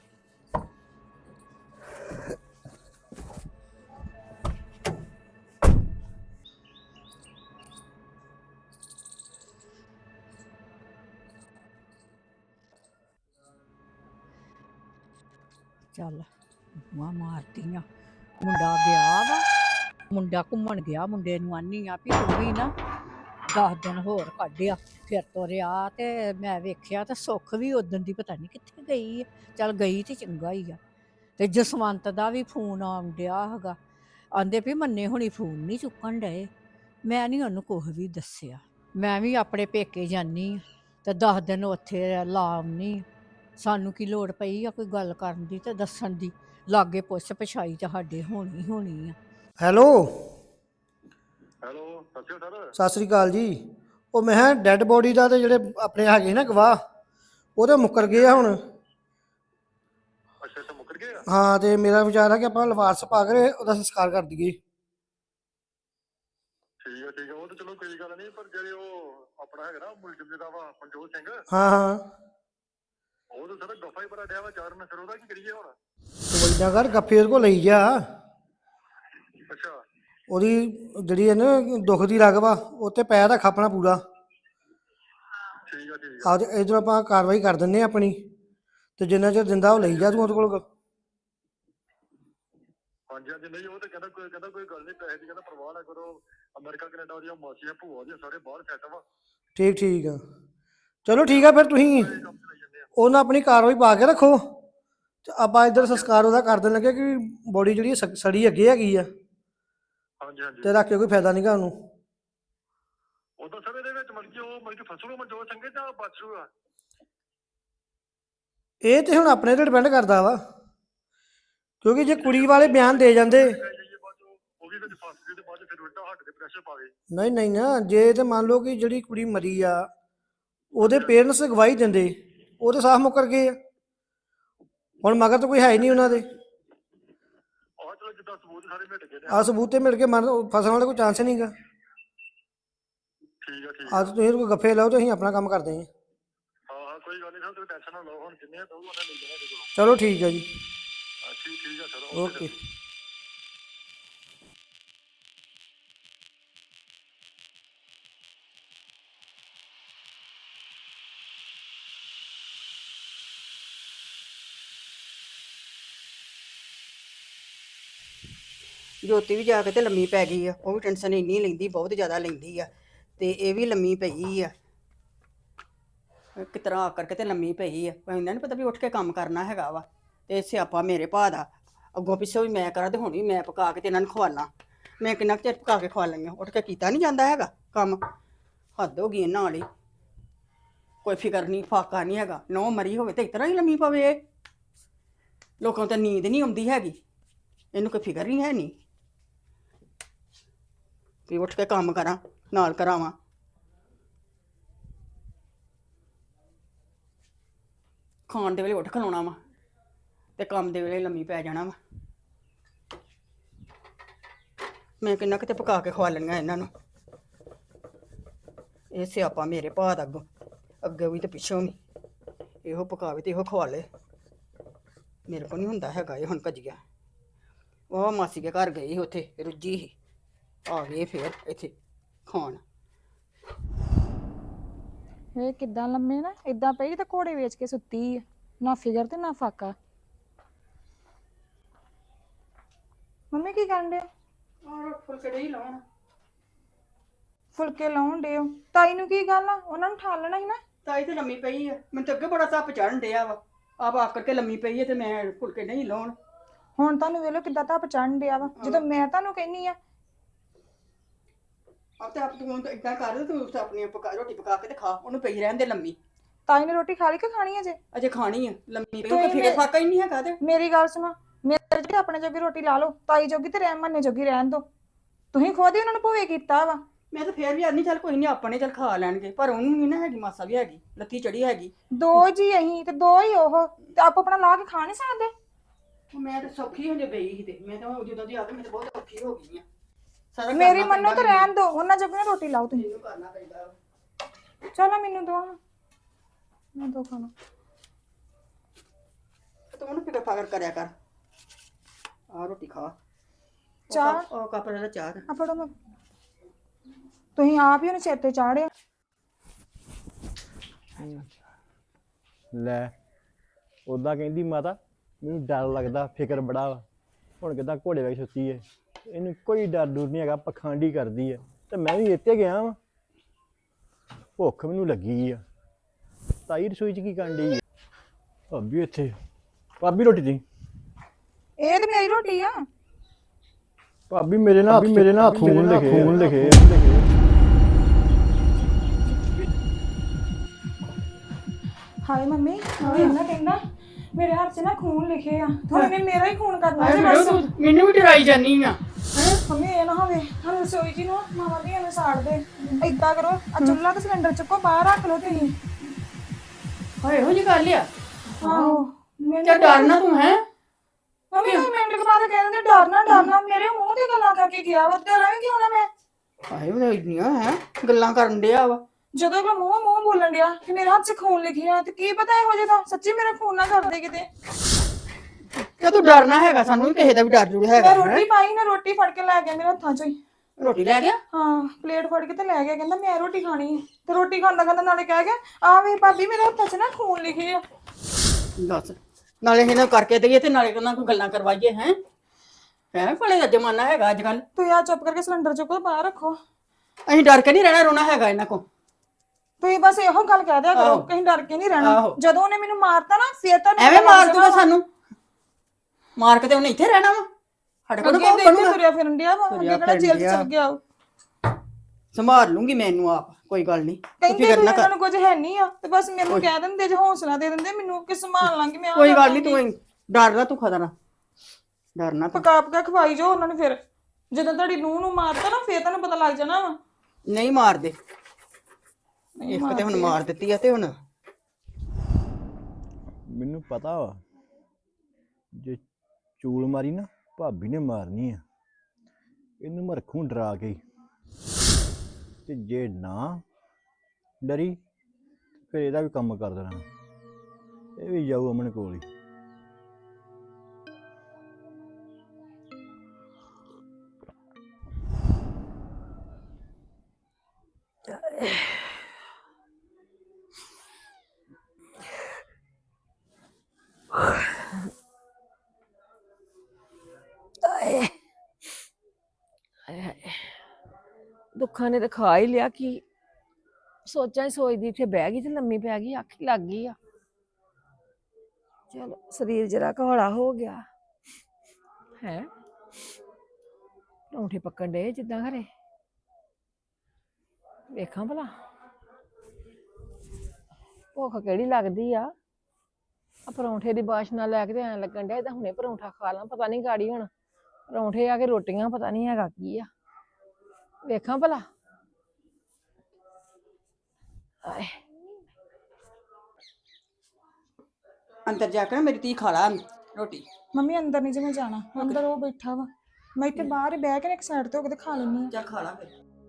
ਚੱਲ ਮਾਂ ਮਾਰਤੀਆਂ। ਮੁੰਡਾ ਗਿਆ ਵਾ, ਮੁੰਡਾ ਘੁੰਮਣ ਗਿਆ। ਮੁੰਡੇ ਨੂੰ ਆਨੀ ਆ ਵੀ ਤੂੰ ਵੀ ਨਾ ਦਸ ਦਿਨ ਹੋਰ ਕੱਢਿਆ। ਫਿਰ ਤੁਰਿਆ ਤੇ ਮੈਂ ਵੇਖਿਆ ਤੇ ਸੁੱਖ ਵੀ ਉਦੋਂ ਦੀ ਪਤਾ ਨਹੀਂ ਕਿੱਥੇ ਗਈ ਆ। ਚੱਲ ਗਈ ਤੇ ਚੰਗਾ ਹੀ ਆ। ਤੇ ਜਸਵੰਤ ਦਾ ਵੀ ਫੋਨ ਆਉਣ ਡਿਆ ਹੈਗਾ। ਆਂਦੇ ਵੀ ਮੰਨੇ ਹੁਣੀ ਫੋਨ ਨਹੀਂ ਚੁੱਕਣ ਡਏ। ਮੈਂ ਨਹੀਂ ਉਹਨੂੰ ਕੁਛ ਵੀ ਦੱਸਿਆ। ਮੈਂ ਵੀ ਆਪਣੇ ਪੇਕੇ ਜਾਨੀ ਆ ਤੇ ਦਸ ਦਿਨ ਉੱਥੇ ਲਾ ਆਉਣੀ ਆ। ਸਾਨੂੰ ਕੀ ਲੋੜ ਪਈ ਆ ਕੋਈ ਗੱਲ ਕਰਨ ਦੀ ਤੇ ਦੱਸਣ ਦੀ। ਲਾਗੇ ਪੁੱਛ ਪਛਾਈ ਤੁਹਾਡੇ ਹੋਣੀ ਹੋਣੀ ਆ।
ਹੈਲੋ
ਹੈਲੋ, ਸਤਿ ਸ਼੍ਰੀ ਅਕਾਲ।
ਸਤਿ ਸ੍ਰੀ ਅਕਾਲ ਜੀ। ਉਹ ਮੈਂ ਕਿਹਾ ਡੈੱਡ ਬੋਡੀ ਦਾ ਤੇ ਜਿਹੜੇ ਆਪਣੇ ਹੈਗੇ ਸੀ ਨਾ ਗਵਾਹ, ਉਹ ਤਾਂ ਮੁੱਕਰ ਗਏ ਆ ਹੁਣ।
ਅੱਛਾ ਅੱਛਾ, ਮੁੱਕਰ ਗਏ ਆ।
ਹਾਂ, ਤੇ ਮੇਰਾ ਵਿਚਾਰ ਆ ਕਿ ਆਪਾਂ ਲਿਫਾਸ ਪਾ ਕੇ ਉਹਦਾ ਸੰਸਕਾਰ ਕਰ ਦਈਏ।
ਠੀਕ ਆ ਠੀਕ ਆ, ਉਹ ਤਾਂ ਚਲੋ ਕੋਈ ਗੱਲ ਨਹੀਂ, ਪਰ ਜਿਹੜੇ ਉਹ ਆਪਣਾ ਹੈਗਾ ਨਾ ਮੁਲਜ਼ਮ ਦਾ ਵਾ ਮਨਜੋਤ ਸਿੰਘ,
ਹਾਂ ਹਾਂ,
ਉਹ ਤਾਂ ਸਾਰਾ ਗੱਫਾ ਹੀ ਬੜਾ ਡਿਆ ਵਾ ਚਾਰਨ। ਫਿਰ ਉਹਦਾ ਕੀ ਕਰੀਏ ਹੁਣ?
ਤੂੰ ਏਦਾਂ ਕਰ, ਗੱਫੇ ਉਹਦੇ ਕੋਲ ਲਈ ਜਾ।
ਅੱਛਾ,
ਉਹਦੀ ਜਿਹੜੀ ਹੈ ਨਾ ਦੁੱਖ ਦੀ ਰਗ ਵਾ, ਉੱਤੇ ਪੈਰ ਰੱਖ ਆਪਣਾ ਪੂਰਾ।
ਠੀਕ ਆ ਠੀਕ ਆ।
ਆ ਇਧਰ ਆਪਾਂ ਕਾਰਵਾਈ ਕਰ ਦਿੰਦੇ ਆ ਆਪਣੀ, ਤੇ ਜਿੰਨਾ ਚਿਰ ਦਿੰਦਾ ਉਹ ਲਈ ਜਾ ਤੂੰ ਉਹਦੇ ਕੋਲ।
ਹਾਂਜੀ ਹਾਂਜੀ, ਨਹੀਂ ਉਹ ਤਾਂ ਕਹਿੰਦਾ ਕੋਈ ਕਹਿੰਦਾ ਕੋਈ ਗੱਲ ਨਹੀਂ, ਪੈਸੇ ਦੀ ਕਹਿੰਦਾ ਪਰਵਾਹ ਨਾ ਕਰੋ। ਅਮਰੀਕਾ ਕੈਨੇਡਾ ਉਹਦੀਆਂ ਮਾਸੀਆਂ ਭੂਆ ਦੀਆਂ ਸਾਰੇ ਬਾਹਰ ਸੈੱਟ ਵਾ।
ਠੀਕ ਠੀਕ ਆ, ਚਲੋ ਠੀਕ ਆ। ਫਿਰ ਤੁਸੀਂ
ਇਹ ਕੰਮ ਚਲਾਈ ਜਾਂਦੇ ਆ।
ਉਹਨਾਂ ਆਪਣੀ ਕਾਰਵਾਈ ਪਾ ਕੇ ਰੱਖੋ, ਤੇ ਆਪਾਂ ਇੱਧਰ ਸੰਸਕਾਰ ਉਹਦਾ ਕਰ ਦੇਣ ਲੱਗੇ ਕਿ ਬੋਡੀ ਜਿਹੜੀ ਸ- ਸੜੀ ਅੱਗੇ ਹੈਗੀ ਆ,
ਹਾਂਜੀ ਹਾਂਜੀ,
ਤੇ ਰੱਖ ਕੇ ਕੋਈ ਫਾਇਦਾ ਨਹੀਂਗਾ ਉਹਨੂੰ।
ਉਦੋਂ ਸਰ ਇਹਦੇ ਵਿੱਚ ਮਤਲਬ ਕਿ ਉਹ ਮਤਲਬ ਕਿ ਫਸਲੂ ਮਨਜੋਤ ਸਿੰਘ ਜਾਂ ਬਚੂ ਆ?
ਇਹ ਤੇ ਹੁਣ ਆਪਣੇ ਤੇ ਡਿਪੈਂਡ ਕਰਦਾ ਵਾ, ਕਿਉਂਕਿ ਜੇ ਕੁੜੀ ਵਾਲੇ ਬਿਆਨ ਦੇ ਜਾਂਦੇ।
ਉਹ ਵੀ ਵਿੱਚ ਫਸ ਗਏ ਤੇ ਬਾਅਦ ਚ ਫਿਰ ਉਲਟਾ ਹੱਟ ਦੇ ਪ੍ਰੈਸ਼ਰ ਪਾ ਗਏ।
ਨਹੀਂ ਨਹੀਂ ਨਾ, ਜੇ ਤੇ ਮੰਨ ਲਓ ਕਿ ਜਿਹੜੀ ਕੁੜੀ ਮਰੀ ਆ ਉਹਦੇ ਪੇਰੈਂਟਸ ਗਵਾਹੀ ਦਿੰਦੇ, ਉਹ ਤੇ ਸਾਫ਼ ਮੁੱਕਰ ਗਏ ਆ। ਹੁਣ ਮਗਰ ਤਾਂ ਕੋਈ ਹੈ ਹੀ ਨਹੀਂ ਉਹਨਾਂ ਦੇ।
ਆਹ ਚਲੋ ਜਿੱਦਾਂ ਸਬੂਤ ਸਾਰੇ ਮਿਟ ਗਏ ਨੇ।
ਆ ਸਬੂਤ ਤੇ ਮਿਲ ਕੇ ਮਰਨ ਫਸਣ ਵਾਲੇ ਕੋਈ ਚਾਂਸ ਨਹੀਂਗਾ।
ਠੀਕ ਆ ਠੀਕ ਆ।
ਆ ਤੁਸੀਂ ਕੋਈ ਗੱਫੇ ਲਾਓ ਤੇ ਅਸੀਂ ਆਪਣਾ ਕੰਮ ਕਰਦੇ ਹਾਂ।
ਹਾਂ ਹਾਂ, ਕੋਈ ਗੱਲ ਨਹੀਂ ਸਰ, ਤੁਸੀਂ ਟੈਨਸ਼ਨ ਨਾ ਲਓ। ਹੁਣ ਜਿੰਨੇ ਆ ਦਊ ਉਹਨੇ ਲੈ ਜਾਣਾ ਇਹਦੇ ਕੋਲੋਂ।
ਚਲੋ ਠੀਕ ਹੈ ਜੀ,
ਹਾਂ ਠੀਕ ਠੀਕ ਆ ਸਰ,
ਓਕੇ।
ਜੋਤੀ ਵੀ ਜਾ ਕੇ ਤੇ ਲੰਮੀ ਪੈ ਗਈ ਆ। ਉਹ ਵੀ ਟੈਨਸ਼ਨ ਇੰਨੀ ਲੈਂਦੀ, ਬਹੁਤ ਜ਼ਿਆਦਾ ਲੈਂਦੀ ਆ। ਤੇ ਇਹ ਵੀ ਲੰਮੀ ਪਈ ਆ, ਕਿਸ ਤਰ੍ਹਾਂ ਆ ਕਰਕੇ ਤੇ ਲੰਮੀ ਪਈ ਆ। ਪਰ ਇਹਨਾਂ ਨੂੰ ਪਤਾ ਵੀ ਉੱਠ ਕੇ ਕੰਮ ਕਰਨਾ ਹੈਗਾ ਵਾ। ਤੇ ਸਿਆਪਾ ਮੇਰੇ ਭਾ ਦਾ, ਅੱਗੋਂ ਪਿੱਛੋਂ ਵੀ ਮੈਂ ਕਰਾਂ ਤੇ ਹੁਣ ਵੀ ਮੈਂ ਪਕਾ ਕੇ ਤੇ ਇਹਨਾਂ ਨੂੰ ਖਵਾਲਾਂ। ਮੈਂ ਕਿੰਨਾ ਕੁ ਚਿਰ ਪਕਾ ਕੇ ਖਵਾ ਲਈਆਂ, ਉੱਠ ਕੇ ਕੀਤਾ ਨਹੀਂ ਜਾਂਦਾ ਹੈਗਾ ਕੰਮ। ਹੱਦ ਹੋ ਗਈ ਇਹਨਾਂ ਵਾਲੀ। ਕੋਈ ਫਿਕਰ ਨਹੀਂ ਫਾਕਾ ਨਹੀਂ ਹੈਗਾ। ਨੌ ਮਰੀ ਹੋਵੇ ਤੇ ਇਸ ਤਰ੍ਹਾਂ ਹੀ ਲੰਮੀ ਪਵੇ ਇਹ। ਲੋਕਾਂ ਨੂੰ ਤਾਂ ਨੀਂਦ ਨਹੀਂ ਆਉਂਦੀ ਹੈਗੀ, ਇਹਨੂੰ ਕੋਈ ਫਿਕਰ ਹੀ ਹੈ ਨਹੀਂ ਵੀ ਉੱਠ ਕੇ ਕੰਮ ਕਰਾਂ, ਨਾਲ ਕਰਾਵਾਂ। ਖਾਣ ਦੇ ਵੇਲੇ ਉੱਠ ਖਲੋਣਾ ਵਾ ਤੇ ਕੰਮ ਦੇ ਵੇਲੇ ਲੰਮੀ ਪੈ ਜਾਣਾ ਵਾ। ਮੈਂ ਕਿੰਨਾ ਕਿਤੇ ਪਕਾ ਕੇ ਖਵਾ ਲੈਣੀਆਂ ਇਹਨਾਂ ਨੂੰ। ਇਹ ਸਿਆਪਾ ਮੇਰੇ ਭਾ ਦਾ, ਅੱਗੋਂ ਅੱਗੇ ਵੀ ਤੇ ਪਿੱਛੋਂ ਵੀ। ਇਹੋ ਪਕਾਵੇ ਤੇ ਇਹੋ ਖਵਾ ਲੇ। ਮੇਰੇ ਕੋਲ ਨਹੀਂ ਹੁੰਦਾ ਹੈਗਾ ਇਹ ਹੁਣ ਭੱਜਿਆ। ਉਹ ਮਾਸੀ ਦੇ ਘਰ ਗਈ ਸੀ, ਉੱਥੇ ਰੁੱਝੀ ਸੀ, ਆ ਗਏ ਫੇਰ ਇੱਥੇ ਖਾਣ।
ਇਹ ਕਿੱਦਾਂ ਲੰਮੇ ਨਾ ਇਦਾਂ ਪਈ ਤੇ ਘੋੜੇ ਵੇਚ ਕੇ ਸੁੱਤੀ ਆ। ਨਾ ਫਿਗਰ ਤੇ ਨਾ ਫਾਕਾ। ਮੰਮੀ ਕੀ ਕਰਨ ਡਿਆ?
ਔਰ ਫੁਲਕੇ ਨਹੀਂ ਲਾਉਣ।
ਫੁਲਕੇ ਲਾਉਣ ਡਿਓ? ਤਾਈ ਨੂੰ ਕੀ ਗੱਲ ਆ? ਉਹਨਾਂ ਨੂੰ ਠਾਲ ਲੈਣਾ ਸੀ ਨਾ।
ਤਾਈ ਤੇ ਲੰਮੀ ਪਈ ਆ, ਮੈਨੂੰ ਤਾਂ ਅੱਗੇ ਬੜਾ ਧੱਪ ਚੜਨ ਡਿਆ ਵਾ। ਆਪ ਆਪ ਕਰਕੇ ਲੰਮੀ ਪਈ ਹੈ ਤੇ ਮੈਂ ਫੁਲਕੇ ਨਹੀਂ ਲਾਉਣ।
ਹੁਣ ਤੁਹਾਨੂੰ ਵੇਖ ਲਓ ਕਿੱਦਾਂ ਧੱਪ ਚੜਨ ਡਿਆ ਵਾ, ਜਦੋਂ ਮੈਂ ਤੁਹਾਨੂੰ ਕਹਿੰਨੀ ਆ।
ਆਪ ਤੇ ਆਪ ਤੂੰ ਇਦਾਂ ਕਰ, ਤੂੰ ਆਪਣੀ ਪਕਾ ਰੋਟੀ ਪਕਾ ਕੇ ਤੇ ਖਾ, ਉਹਨੂੰ ਪਈ ਰਹਿਣ ਦੇ ਲੰਮੀ।
ਤਾਈ ਨੇ ਰੋਟੀ ਖਾ ਲਈ ਕਿ ਖਾਣੀ ਅਜੇ?
ਅਜੇ ਖਾਣੀ ਆ ਲੰਮੀ ਪਈ,
ਤੁਸੀਂ
ਉਹ ਫਿਕਰ ਫਾਕਾ ਹੀ ਨਹੀਂ ਹੈਗਾ। ਤੇ
ਮੇਰੀ ਗੱਲ ਸੁਣੋ, ਮੇਰੇ ਜੋਗੀ ਆਪਣੇ ਜੋਗੀ ਰੋਟੀ ਲਾ ਲਓ, ਤਾਈ ਜੋਗੀ ਤੇ ਰਹਿ ਮੰਨੇ ਜੋਗੀ ਰਹਿਣ ਦੋ। ਤੁਸੀਂ ਖੁਦ ਹੀ ਉਹਨਾਂ ਨੂੰ ਭੂਵੇ ਕੀਤਾ ਵਾ।
ਮੈਂ ਤਾਂ ਫੇਰ ਵੀ ਆਨੀ ਚੱਲ ਕੋਈ ਨਹੀਂ, ਆਪਣੇ ਚੱਲ ਖਾ ਲੈਣਗੇ, ਪਰ ਉਹਨੂੰ ਨਹੀਂ ਨਾ ਹੈਗੀ ਮਾਸਾ ਵੀ ਹੈਗੀ, ਲੱਤੀ ਚੜੀ ਹੈਗੀ।
ਦੋ ਜੀ ਅਹੀਂ ਤੇ ਦੋ ਹੀ ਉਹ, ਤੇ ਆਪ ਆਪਣਾ ਲਾ ਕੇ ਖਾ ਨਹੀਂ ਸਕਦੇ?
ਮੈਂ ਤਾਂ ਸੌਖੀ ਹੋ ਜੇ ਗਈ ਸੀ ਤੇ ਮੈਂ ਤਾਂ ਹੁਣ ਜਦੋਂ ਦੀ ਆ ਕੇ ਮੈਂ ਤਾਂ ਬਹੁਤ ਔਖੀ ਹੋ ਗਈ ਆ ਸਾਰਾ
ਮੇਰੀ
ਕਰਨਾ
ਮੰਨੋ ਤਾਂ
ਪੈਂਦਾ
ਰਹਿਣ ਦੋ, ਉਹਨਾਂ ਜੋਗੀ ਨਾ ਰੋਟੀ ਲਾਓ ਤੁਸੀਂ।
ਮੈਨੂੰ ਕਰਨਾ ਪੈਂਦਾ ਵਾ।
ਚਲੋ ਮੈਨੂੰ ਦੋ, ਮੈਂ ਦੋ ਖਾਣਾ।
ਤੂੰ ਉਹਨੂੰ ਫਿਕਰ ਫਾਕਰ ਕਰਿਆ ਕਰ। ਆ ਰੋਟੀ ਖਾ। ਉਹ
ਚਾਹ?
ਕੱਪ- ਉਹ ਕੱਪ ਦਾ ਚਾਹ ਦਾ।
ਆ ਫੜੋ, ਮੈਂ ਤੁਸੀਂ ਆਪ ਹੀ ਉਹਨੂੰ ਸਿਰ ਤੇ ਚਾੜਿਆ।
ਲੈ ਉਦਾਂ ਕਹਿੰਦੀ ਮਾਤਾ ਮੈਨੂੰ ਡਰ ਲੱਗਦਾ, ਫਿਕਰ ਬੜਾ ਵਾ। ਹੁਣ ਕਿੱਦਾਂ ਘੋੜੇ ਵਾਂਗ ਸੁੱਤੀ ਏ, ਇਹਨੂੰ ਕੋਈ ਡਰ ਡੁਰ ਨਹੀਂ ਹੈਗਾ, ਪਖੰਡੀ ਕਰਦੀ ਹੈ ਤੇ ਮੈਂ ਵੀ ਇੱਥੇ ਗਿਆ ਵਾਂ। ਭੁੱਖ ਮੈਨੂੰ ਲੱਗੀ ਆ। ਤਾਈ ਰਸੋਈ 'ਚ ਕੀ ਕਰਨ ਡਈ ਆ? ਭਾਬੀ ਇੱਥੇ, ਭਾਬੀ ਰੋਟੀ ਦੀ।
ਇਹ ਤੇ ਮੇਰੀ ਰੋਟੀ ਆ।
ਭਾਬੀ ਮੇਰੇ ਨਾਲ ਮੇਰੇ ਨਾਲ ਖੂਨ ਲਿਖੇ ਖੂਨ ਲਿਖੇ
ਹਾਏ ਮੰਮੀ, ਉਹ ਇਹਨਾਂ ਕਹਿੰਦਾ ਮੇਰੇ ਹੱਥ 'ਚ ਨਾ ਖੂਨ ਲਿਖੇ ਆ, ਹੁਣ ਇਹਨੇ ਮੇਰਾ ਹੀ ਖੂਨ ਕਰਨਾ ਜੀ ਬਸ।
ਮੈਨੂੰ ਵੀ ਡਰਾਈ ਜਾਨੀ ਆ।
ਮੰਮੀ ਇਹ ਨਾ ਹੋਵੇ ਹਾਂ ਰਸੋਈ ਜੀ ਨੂੰ ਮਾਮਾ ਦੀ ਨੂੰ ਸਾੜ ਦੇ। ਏਦਾਂ ਕਰੋ, ਆ ਚੁੱਲ੍ਹਾ ਤੇ ਸਿਲੰਡਰ ਚੁੱਕੋ, ਬਾਹਰ ਰੱਖ ਲਓ ਤੁਸੀਂ।
ਹਾਏ ਇਹੋ ਜਿਹੀ ਗੱਲ ਆ।
ਆਹੋ ਮੈਨੂੰ
ਚੱਲ ਡਰਨਾ ਤੂੰ ਹੈ।
ਮੰਮੀ ਤੁਸੀਂ ਮਿੰਟ ਕੇ ਬਾਅਦ ਕਹਿ ਦਿੰਦੇ ਡਰਨਾ ਡਰਨਾ, ਮੇਰੇ ਮੂੰਹ ਤੇ ਗੱਲਾਂ ਕਰਕੇ ਗਿਆ ਵਾ, ਡਰਾਂ ਕਿਉਂ ਨਾ ਮੈਂ?
ਹਾਏ ਉਹ ਇੰਨੀਆਂ ਹੈ ਗੱਲਾਂ ਕਰਨ ਡਿਆ ਵਾ।
ਜਦੋਂ ਕਿ ਮੂੰਹ ਮੂੰਹ ਬੋਲਣ ਡਿਆ ਕਿ ਮੇਰੇ ਹੱਥ 'ਚ ਖੂਨ ਲਿਖਿਆ, ਤੇ ਕੀ ਪਤਾ ਇਹੋ ਜਿਹਾ ਸੱਚੀ ਮੇਰਾ ਖੂਨ ਨਾ ਕਰਦੇ ਕਿਤੇ।
ਤੇ ਤੂੰ ਡਰਨਾ ਹੈਗਾ, ਸਾਨੂੰ ਵੀ ਕਿਸੇ ਦਾ ਵੀ ਡਰ ਜੁੜ
ਮੈਂ
ਹੈਗਾ।
ਰੋਟੀ ਪਾਈ ਨਾ, ਰੋਟੀ ਫੜ ਕੇ ਲੈ ਗਿਆ ਮੇਰੇ ਹੱਥਾਂ 'ਚੋਂ ਹੀ।
ਰੋਟੀ ਲੈ ਗਿਆ?
ਹਾਂ ਪਲੇਟ ਫੜ ਕੇ ਤੇ ਲੈ ਗਿਆ, ਕਹਿੰਦਾ ਮੈਂ ਰੋਟੀ ਖਾਣੀ ਹੈ। ਤੇ ਰੋਟੀ ਖਾਂਦਾ ਖਾਂਦਾ ਨਾਲੇ ਕਹਿ ਗਿਆ ਆ ਵੇ ਭਾਬੀ ਮੇਰੇ ਹੱਥਾਂ 'ਚ ਨਾ ਖੂਨ ਲਿਖੇ ਆ।
ਦੱਸ, ਨਾਲੇ ਇਹਨਾਂ ਕਰਕੇ ਦੇਈਏ ਤੇ ਨਾਲੇ ਉਹਨਾਂ ਕੋਲ ਗੱਲਾਂ ਕਰਵਾਈਏ। ਹੈ ਹੈ ਭਲੇ ਦਾ ਜ਼ਮਾਨਾ ਹੈਗਾ ਅੱਜ ਕੱਲ।
ਤੁਸੀਂ ਆ ਚੁੱਪ ਕਰਕੇ ਸਿਲੰਡਰ ਚੁੱਕੋ, ਬਾਹਰ ਰੱਖੋ।
ਅਸੀਂ ਡਰ ਕੇ ਨਹੀਂ ਰਹਿਣਾ, ਰੋਣਾ ਹੈਗਾ ਇਹਨਾਂ ਕੋਲ।
ਤੁਸੀਂ ਬਸ ਇਹੋ ਗੱਲ ਕਹਿ ਦਿਆ ਕਰੋ, ਕਹੀਂ ਡਰ ਕੇ ਨਹੀਂ ਰਹਿਣਾ।
ਆਹੋ।
ਜਦੋਂ ਉਹਨੇ ਮੈਨੂੰ ਮਾਰਤਾ ਨਾ ਫੇਰ ਤਾਂ
ਐਵੇਂ ਮਾਰ ਦੂਗਾ ਸਾਨੂੰ, ਮਾਰ ਕੇ ਤੇ ਉਹਨੇ ਇੱਥੇ ਰਹਿਣਾ ਵਾ। ਸਾਡੇ ਕੋਲ
ਅੱਗੇ
ਕੌਣ
ਤੇ ਇੱਥੇ
ਬਣੂਗਾ?
ਤੁਰਿਆ ਫਿਰਨ ਡਿਆ ਵਾ, ਅੱਗੇ
ਤੁਰਿਆ
ਕਿਹੜਾ ਜੇਲ੍ਹ 'ਚ
ਫਿਰਨ
ਚਲ ਗਿਆ ਉਹ।
ਸੰਭਾਲ ਲੂੰਗੀ ਮੈਨੂੰ ਆਪ, ਕੋਈ ਗੱਲ ਨਹੀਂ।
ਕਹਿੰਦੇ ਤੁਸੀਂ ਇਹਨਾਂ ਨੂੰ ਕੁਝ ਹੈ ਨਹੀਂ ਆ, ਤੇ ਬਸ ਮੈਨੂੰ ਕਹਿ ਦਿੰਦੇ ਜੇ ਹੌਸਲਾ ਦੇ ਦਿੰਦੇ ਮੈਨੂੰ ਕਿ ਸੰਭਾਲ ਲਾਂਗੀ ਮੈਂ।
ਕੋਈ ਗੱਲ ਨਹੀਂ, ਤੂੰ ਡਰਨਾ, ਤੂੰ ਖਤਰਾ ਡਰਨਾ ਤੂੰ।
ਪਕਾ ਪਕਾ ਖਵਾਈ ਜੋ ਉਹਨਾਂ ਨੂੰ, ਫਿਰ ਜਦੋਂ ਤੁਹਾਡੀ ਨੂੰਹ ਨੂੰ ਮਾਰਤਾ ਨਾ ਫੇਰ ਤੁਹਾਨੂੰ ਪਤਾ ਲੱਗ ਜਾਣਾ ਵਾ।
ਨਹੀਂ ਮਾਰਦੇ, ਇੱਕ ਤੇ ਹੁਣ ਮਾਰ ਦਿੱਤੀ ਆ ਤੇ ਹੁਣ
ਮੈਨੂੰ ਪਤਾ ਵਾ ਜੇ ਚੂਲ ਮਾਰੀ ਨਾ ਭਾਬੀ ਨੇ ਮਾਰਨੀ ਆ। ਇਹਨੂੰ ਮੈਂ ਰੱਖੂੰ ਡਰਾ ਕੇ, ਤੇ ਜੇ ਨਾ ਡਰੀ ਫਿਰ ਇਹਦਾ ਵੀ ਕੰਮ ਕਰ ਦੇਣਾ। ਇਹ ਵੀ ਜਾਊ ਅਮਨ ਕੋਲ ਹੀ।
ਦੁੱਖਾਂ ਨੇ ਤਾਂ ਖਾ ਹੀ ਲਿਆ। ਕਿ ਸੋਚਾਂ ਹੀ ਸੋਚਦੀ ਇੱਥੇ ਬਹਿ ਗਈ ਤੇ ਲੰਮੀ ਪੈ ਗਈ, ਅੱਖ ਹੀ ਲੱਗ ਗਈ ਆ। ਚਲੋ ਸਰੀਰ ਜਰਾ ਹੌਲਾ ਹੋ ਗਿਆ ਹੈ। ਪਰੌਂਠੇ ਪੱਕਣ ਡੇ ਜਿੱਦਾਂ ਘਰੇ, ਵੇਖਾਂ ਭਲਾ ਭੁੱਖ ਕਿਹੜੀ ਲੱਗਦੀ ਆ। ਆ ਪਰੌਂਠੇ ਦੀ ਬਾਸ਼ਨਾ ਲੈ ਕੇ ਤੇ ਐਂ ਲੱਗਣ ਡਿਆ ਇਹਦਾ ਹੁਣੇ ਪਰੌਂਠਾ ਖਾ ਲਾਂ। ਪਤਾ ਨਹੀਂ ਗਾੜੀ ਹੁਣ ਪਰੌਂਠੇ ਆ ਕੇ ਰੋਟੀਆਂ ਪਤਾ ਨਹੀਂ ਹੈਗਾ ਕੀ ਆ, ਵੇਖਾਂ ਭਲਾ। ਆਏ
ਅੰਦਰ ਜਾ ਕੇ ਨਾ ਮੇਰੀ ਧੀ ਖਾ ਲਾ ਰੋਟੀ।
ਮੰਮੀ ਅੰਦਰ ਨਹੀਂ ਜਿਵੇਂ ਜਾਣਾ, ਅੰਦਰ ਉਹ ਬੈਠਾ ਵਾ, ਮੈਂ ਇੱਥੇ ਬਾਹਰ ਹੀ ਬਹਿ ਕੇ ਇੱਕ ਸਾਈਡ ਤੇ ਹੋ ਕੇ ਤੇ ਖਾ ਲੈਣੀ ਆ।
ਚੱਲ ਖਾ ਲਾ ਫਿਰ।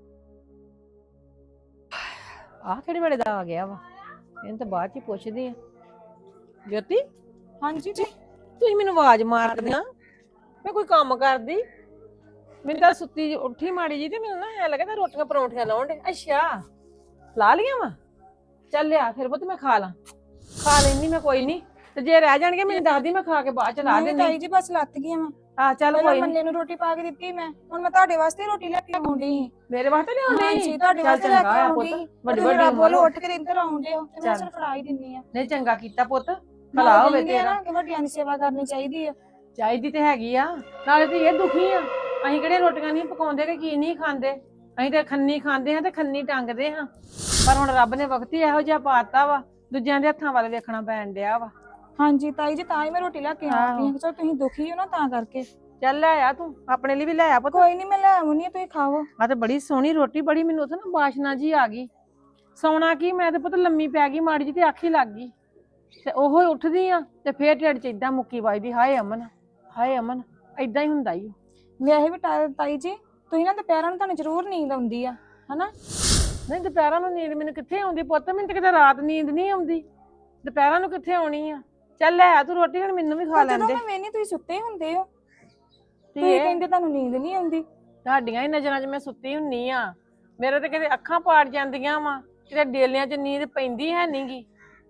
ਆਹ ਕਿਹੜੇ ਵੇਲੇ ਦਾ ਆ ਗਿਆ ਵਾ, ਇਹਨੂੰ ਤਾਂ ਬਾਅਦ ਚ ਹੀ ਪੁੱਛਦੀ ਆ। ਜੋਤੀ
ਹਾਂਜੀ ਜੀ।
ਤੁਸੀਂ ਮੈਨੂੰ ਆਵਾਜ਼ ਮਾਰਦੇ ਆ, ਮੈਂ ਕੋਈ ਕੰਮ ਕਰਦੀ। ਮੈਨੂੰ ਤਾਂ ਸੁੱਤੀ ਜਿਹੀ ਉੱਠੀ ਮਾੜੀ ਜੀ ਤੇ ਮੈਨੂੰ ਨਾ ਐ ਲੱਗਦਾ ਰੋਟੀਆਂ ਪਰੌਂਠੀਆਂ ਲਾਉਣ ਡੇ। ਅੱਛਾ ਲਾ ਲੀਆਂ ਵਾ, ਚੱਲ ਲਿਆ ਫਿਰ ਪੁੱਤ ਮੈਂ ਖਾ ਲਾਂ। ਖਾ ਲੈਣੀ ਮੈਂ, ਕੋਈ ਨਹੀਂ। ਤੇ ਜੇ ਰਹਿ ਜਾਣਗੇ ਮੈਨੂੰ ਦੱਸਦੀ, ਮੈਂ ਖਾ ਕੇ ਬਾਅਦ ਚ ਲਾ
ਨਹੀਂ
ਦੇਣੀ।
ਤਾਈ ਜੀ ਬਸ ਲੱਤ ਗਈ ਮੈਂ।
ਆ ਚੱਲ
ਪਹਿਲਾਂ
ਕੋਈ ਨੀ।
ਮੰਨੇ ਨੂੰ ਰੋਟੀ ਪਾ ਕੇ ਦਿੱਤੀ ਮੈਂ, ਹੁਣ ਮੈਂ ਤੁਹਾਡੇ ਵਾਸਤੇ ਰੋਟੀ ਲੈ ਕੇ ਆਉਂਦੀ ਸੀ।
ਮੇਰੇ ਵਾਸਤੇ ਲਿਆਉਣੀ?
ਹਾਂਜੀ ਤੁਹਾਡੇ
ਚੱਲ
ਵਾਸਤੇ ਲੈ
ਚੰਗਾ
ਕੇ
ਆ
ਆਉਂਦੀ
ਪੁੱਤ,
ਸੀ।
ਵੱਡੀ
ਵੱਡੀ
ਵੱਡੀ
ਬੋਲ
ਉਮਰ।
ਉੱਠ ਕੇ ਇੱਧਰ ਆਉਂਦੇ ਹੋ ਤੇ ਮੈਂ
ਚੱਲ।
ਸਿਰ ਫੜਾ ਹੀ ਦਿੰਨੀ ਆ।
ਨਹੀਂ ਚੰਗਾ ਕੀਤਾ ਪੁੱਤ,
ਨਾਲੇ
ਭਲਾ ਹੋਵੇ
ਕਹਿੰਦੇ ਆ
ਤੇਰਾ।
ਨਾ ਕਿ ਵੱਡਿਆਂ ਦੀ ਸੇਵਾ ਕਰਨੀ ਚਾਹੀਦੀ ਆ।
ਚਾਹੀਦੀ ਤੇ ਹੈਗੀ ਆ, ਨਾਲੇ ਤੇ ਇਹ ਦੁਖੀ ਆ। ਅਸੀਂ ਕਿਹੜੇ ਰੋਟੀਆਂ ਨਹੀਂ ਪਕਾਉਂਦੇ ਕਿ ਕੀ ਨਹੀਂ ਖਾਂਦੇ, ਅਸੀਂ ਤੇ ਖੰਨੀ ਖਾਂਦੇ ਹਾਂ ਤੇ ਖੰਨੀ ਟੰਗਦੇ ਹਾਂ। ਪਰ ਹੁਣ ਰੱਬ ਨੇ ਵਕਤ ਹੀ ਇਹੋ ਜਿਹਾ ਪਾਤਾ ਵਾ, ਦੂਜਿਆਂ ਦੇ ਹੱਥਾਂ ਵੱਲ ਵੇਖਣਾ ਪੈਣ ਡਿਆ ਵਾ।
ਹਾਂਜੀ ਤਾਈ ਜੀ, ਤਾਂ ਹੀ ਮੈਂ ਰੋਟੀ ਲੈ ਕੇ ਆਉਂਦੀ ਹਾਂ। ਚਲੋ ਤੁਸੀਂ ਦੁਖੀ ਹੋ ਨਾ ਤਾਂ ਕਰਕੇ।
ਚੱਲ ਲੈ ਆ ਤੂੰ ਆਪਣੇ ਲਈ ਵੀ ਲੈ ਆ ਪੁੱਤ।
ਕੋਈ ਨਹੀਂ ਮੈਂ ਲੈ ਆਉਣੀ ਆ, ਤੁਸੀਂ ਖਾਓ।
ਆ ਤੇ ਬੜੀ ਸੋਹਣੀ ਰੋਟੀ, ਬੜੀ ਮੈਨੂੰ ਉੱਥੇ ਨਾ ਬਾਸ਼ਨਾ ਜੀ ਆ ਗਈ। ਸੌਣਾ ਕੀ, ਮੈਂ ਤੇ ਪੁੱਤ ਲੰਮੀ ਪੈ ਗਈ ਮਾੜੀ ਜੀ ਤੇ ਅੱਖ ਹੀ ਲੱਗ ਗਈ। ਤੇ ਉਹੋ ਉੱਠਦੀ ਆ ਤੇ ਫੇਰ ਢਿੱਡ ਚ ਏਦਾਂ ਮੁੱਕੀ ਵੱਜਦੀ, ਹਾਏ ਅਮਨ ਹਾਏ ਅਮਨ ਏਦਾਂ ਹੀ ਹੁੰਦਾ ਈ।
ਵੈਸੇ ਵੀ ਤਾ- ਤਾਈ ਜੀ ਤੁਸੀਂ ਨਾ ਦੁਪਹਿਰਾਂ ਨੂੰ ਤੁਹਾਨੂੰ ਜ਼ਰੂਰ ਨੀਂਦ ਆਉਂਦੀ ਆ ਹਨਾ।
ਨਹੀਂ ਦੁਪਹਿਰਾਂ ਨੂੰ ਨੀਂਦ ਮੈਨੂੰ ਕਿੱਥੇ ਆਉਂਦੀ ਪੁੱਤ, ਮੈਨੂੰ ਤਾਂ ਕਿਤੇ ਰਾਤ ਨੀਂਦ ਨਹੀਂ ਆਉਂਦੀ, ਦੁਪਹਿਰਾਂ ਨੂੰ ਕਿੱਥੇ ਆਉਣੀ ਆ। ਚੱਲ ਲੈ ਆ ਤੂੰ ਰੋਟੀ, ਹੁਣ ਮੈਨੂੰ ਵੀ ਖਾ
ਪਰ ਜਦੋਂ
ਲੈਂਦੇ।
ਮੈਂ ਵੇਹਨੀ ਤੁਸੀਂ ਸੁੱਤੇ ਹੁੰਦੇ ਹੋ,
ਧੀਏ,
ਤੁਸੀਂ ਕਹਿੰਦੇ ਤੁਹਾਨੂੰ ਨੀਂਦ ਨਹੀਂ ਆਉਂਦੀ।
ਤੁਹਾਡੀਆਂ ਹੀ ਨਜ਼ਰਾਂ 'ਚ ਮੈਂ ਸੁੱਤੀ ਹੁੰਨੀ ਆ, ਮੇਰੇ ਤੇ ਕਿਤੇ ਅੱਖਾਂ ਪਾੜ ਜਾਂਦੀਆਂ ਵਾ, ਕਿਤੇ ਡੇਲਿਆਂ 'ਚ ਨੀਂਦ ਪੈਂਦੀ ਹੈ ਨਹੀਂਗੀ।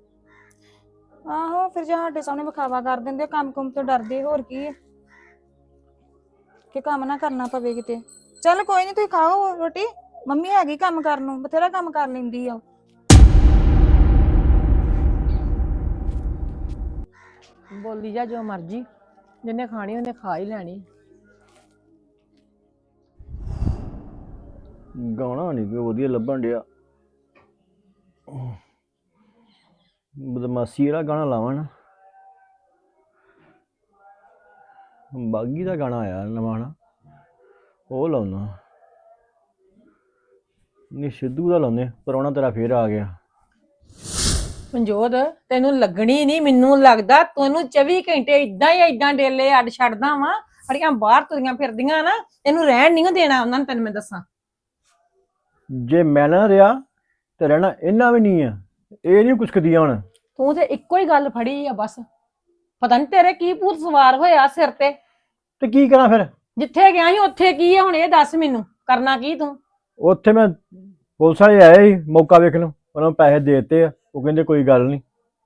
ਆਹੋ ਫਿਰ ਜੇ ਸਾਡੇ ਸਾਹਮਣੇ ਵਿਖਾਵਾ ਕਰ ਦਿੰਦੇ, ਕੰਮ ਕੁੰਮ ਤੋਂ ਡਰਦੇ, ਹੋਰ ਕੀ ਹੈ ਕਿ ਕੰਮ ਨਾ ਕਰਨਾ ਪਵੇ ਕਿਤੇ। ਚੱਲ ਕੋਈ ਨਹੀਂ ਤੁਸੀਂ ਖਾਓ ਰੋਟੀ, ਮੰਮੀ ਹੈਗੀ ਕੰਮ ਕਰਨ ਨੂੰ, ਬਥੇਰਾ ਕੰਮ ਕਰ ਲੈਂਦੀ ਆ।
ਬੋਲੀ ਜਾ ਜੋ ਮਰਜੀ, ਜਿੰਨੇ ਖਾਣੀ ਉਹਨੇ ਖਾ ਹੀ ਲੈਣੀ।
ਗਾਣਾ ਨਹੀਂ ਕੋਈ ਵਧੀਆ ਲੱਭਣ ਡਿਆ। ਬਦਮਾਸ਼ੀ ਵਾਲਾ ਗਾਣਾ ਲਾਵਾਂ ਨਾ, ਬਾਗੀ ਦਾ ਗਾਣਾ ਆਇਆ ਨਵਾਂ ਨਾ, ਉਹ ਲਾਉਣਾ। ਨਹੀਂ ਸਿੱਧੂ ਦਾ ਲਾਉਂਦੇ, ਪ੍ਰਾਹੁਣਾ ਤੇਰਾ ਫੇਰ ਆ ਗਿਆ।
ਮਨਜੋਤ ਤੈਨੂੰ ਲੱਗਣੀ ਨਹੀਂ, ਮੈਨੂੰ ਲੱਗਦਾ ਤੈਨੂੰ ਚੌਵੀ ਘੰਟੇ ਇਦਾਂ ਹੀ ਇਦਾਂ ਡੇਲੇ ਅੱਡ ਛੱਡਦਾ ਵਾ। ਅੜੀਆਂ ਬਾਹਰ ਤੁਰੀਆਂ ਫਿਰਦੀਆਂ ਨਾ, ਇਹਨੂੰ ਰਹਿਣ ਨਹੀਂ ਦੇਣਾ ਉਹਨਾਂ ਨੇ, ਤੈਨੂੰ ਮੈਂ ਦੱਸਾਂ।
ਜੇ ਮੈਂ ਨਾ ਰਿਹਾ ਤੇ ਰਹਿਣਾ ਇਹਨਾਂ ਵੀ ਨਹੀਂ ਆ, ਇਹ ਨਹੀਂ ਕੁਛਕਦੀਆਂ ਹੁਣ।
ਤੂੰ ਤੇ ਇੱਕੋ ਹੀ ਗੱਲ ਫੜੀ ਆ ਬਸ, ਪਤਾ ਨਹੀਂ ਤੇਰੇ ਕੀ ਭੂਤ ਸਵਾਰ ਹੋਇਆ ਸਿਰ ਤੇ।
ਤੇ ਕੀ ਕਰਾਂ ਫਿਰ?
ਜਿੱਥੇ ਗਿਆ ਸੀ ਉੱਥੇ ਕੀ ਆ ਹੁਣ, ਇਹ ਦੱਸ ਮੈਨੂੰ, ਕਰਨਾ ਕੀ ਤੂੰ?
ਉੱਥੇ ਮੈਂ ਪੁਲਿਸ ਵਾਲੇ ਆਏ ਸੀ ਮੌਕਾ ਵੇਖਣ ਨੂੰ, ਉਹਨਾਂ ਨੂੰ ਪੈਸੇ ਦੇ ਦਿੱਤੇ ਆ, ਉਹ ਕਹਿੰਦੇ ਕੋਈ ਗੱਲ ਨਹੀਂ।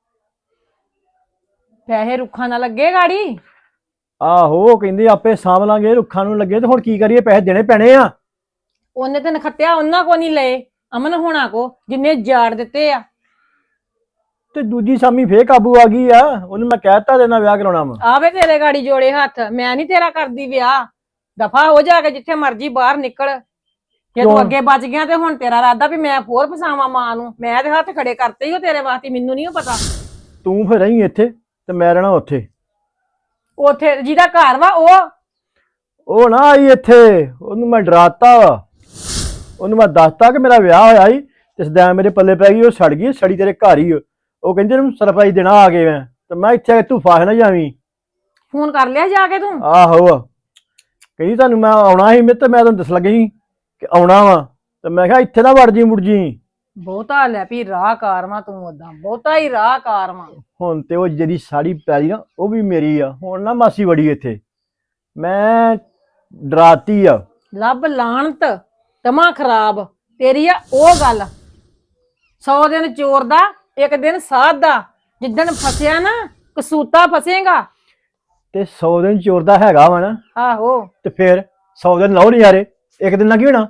ਪੈਸੇ ਰੁੱਖਾਂ ਨਾਲ ਲੱਗੇ ਗਾੜੀ?
ਆਹੋ ਉਹ ਕਹਿੰਦੇ ਆਪੇ ਸਾਂਭ ਲਾਂਗੇ, ਰੁੱਖਾਂ ਨੂੰ ਲੱਗੇ ਤੇ ਹੁਣ ਕੀ ਕਰੀਏ, ਪੈਸੇ ਦੇਣੇ ਪੈਣੇ ਆ।
ਉਹਨੇ ਤੇ ਨਖੱਤਿਆ ਉਹਨਾਂ ਕੋ ਨਹੀਂ ਲਏ, ਅਮਨ ਹੋਣਾ ਕੋ, ਜਿੰਨੇ ਜਾੜ ਦਿੱਤੇ ਆ।
ਤੇ ਦੂਜੀ ਸਾਮੀ ਫੇਰ ਕਾਬੂ ਆ ਗਈ ਆ, ਉਹਨੂੰ ਮੈਂ ਕਹਿਤਾ ਦੇਣਾ ਵਿਆਹ ਕਰਾਉਣਾ ਵਾ।
ਆਵੇ ਤੇਰੇ ਗਾੜੀ ਜੋੜੇ ਹੱਥ, ਮੈਂ ਨਹੀਂ ਤੇਰਾ ਕਰਦੀ ਵਿਆਹ, ਦਫਾ ਹੋ ਜਾ ਕੇ ਜਿੱਥੇ ਮਰਜੀ ਬਾਹਰ ਨਿਕਲ। ਜੇ ਤੂੰ
ਕਿਉਂ?
ਅੱਗੇ ਬਚ ਗਿਆ ਤੇ ਹੁਣ ਤੇਰਾ ਇਰਾਦਾ ਵੀ ਮੈਂ ਫੋਰ ਫਸਾਵਾਂ ਮਾਂ ਨੂੰ, ਮੈਂ ਤੇ ਹੱਥ ਖੜੇ ਕਰਤੇ ਹੀ ਉਹ ਤੇਰੇ ਵਾਸਤੇ, ਮੈਨੂੰ ਨਹੀਂ ਪਤਾ।
ਤੂੰ ਫਿਰ ਰਹੀ ਇੱਥੇ ਤੇ ਮੈਂ ਰਹਿਣਾ ਉੱਥੇ।
ਉੱਥੇ ਜਿਹਦਾ ਘਰ ਵਾ ਉਹ
ਉਹ ਨਾ ਆਈ ਇੱਥੇ, ਉਹਨੂੰ ਮੈਂ ਡਰਾਤਾ ਵਾ, ਉਹਨੂੰ ਮੈਂ ਦੱਸਤਾ ਕਿ ਮੇਰਾ ਵਿਆਹ ਹੋਇਆ ਸੀ ਤੇ ਸਦਾ ਮੇਰੇ ਪੱਲੇ ਪੈ ਗਈ, ਉਹ ਸੜ ਗਈ, ਸੜੀ ਤੇਰੇ ਘਰ ਹੀ। ਉਹ ਕਹਿੰਦੇ ਇਹਨੂੰ ਸਰਪ੍ਰਾਈਜ਼ ਦੇਣਾ ਆ ਗਏ ਮੈਂ, ਤੇ ਮੈਂ ਇੱਥੇ ਆ ਕੇ ਤੂੰ ਫਾਹ ਨਾ ਜਾਵੀਂ।
ਫੋਨ ਕਰ ਲਿਆ ਜਾ ਕੇ ਤੂੰ?
ਆਹੋ ਕਹਿੰਦੀ ਤੁਹਾਨੂੰ ਮੈਂ ਆਉਣਾ ਸੀ, ਮੈਂ ਤੇ ਮੈਂ ਤੁਹਾਨੂੰ ਦੱਸ ਲੱਗੀ ਕਿ ਆਉਣਾ ਵਾ, ਤੇ ਮੈਂ ਕਿਹਾ ਇੱਥੇ ਨਾ ਵੜ ਜੀ ਮੁੜ ਜੀ।
ਬਹੁਤਾ ਲੈ ਵੀ ਰਾਹ ਕਾਰਵਾ ਤੂੰ, ਓਦਾਂ ਬਹੁਤਾ ਹੀ ਰਾਹ ਕਾਰਵਾ।
ਹੁਣ ਤੇ ਉਹ ਜਿਹੜੀ ਸਾੜੀ ਪੈਲੀ ਨਾ ਉਹ ਵੀ ਮੇਰੀ ਆ, ਹੁਣ ਨਾ ਮਾਸੀ ਵੜੀ ਇੱਥੇ, ਮੈਂ ਡਰਾਤੀ ਆ।
ਲੱਭ ਲਾਣਤ ਤਮਾ ਖਰਾਬ ਤੇਰੀ ਆ ਉਹ ਗੱਲ। ਸੌ ਦਿਨ ਚੋਰ ਦਾ ਇੱਕ ਦਿਨ ਸਾਧ ਦਾ, ਜਿੱਦਣ ਫਸਿਆ ਨਾ ਕਸੂਤਾ ਫਸੇਗਾ।
ਤੇ ਸੌ ਦਿਨ ਚੋਰ ਦਾ ਹੈਗਾ ਵਾ ਨਾ,
ਆਹੋ
ਤੇ ਫਿਰ ਸੌ ਦਿਨ ਲਾਓ ਨਜ਼ਾਰੇ, ਇੱਕ ਦਿਨ ਨਾਲ ਕੀ ਹੋਣਾ?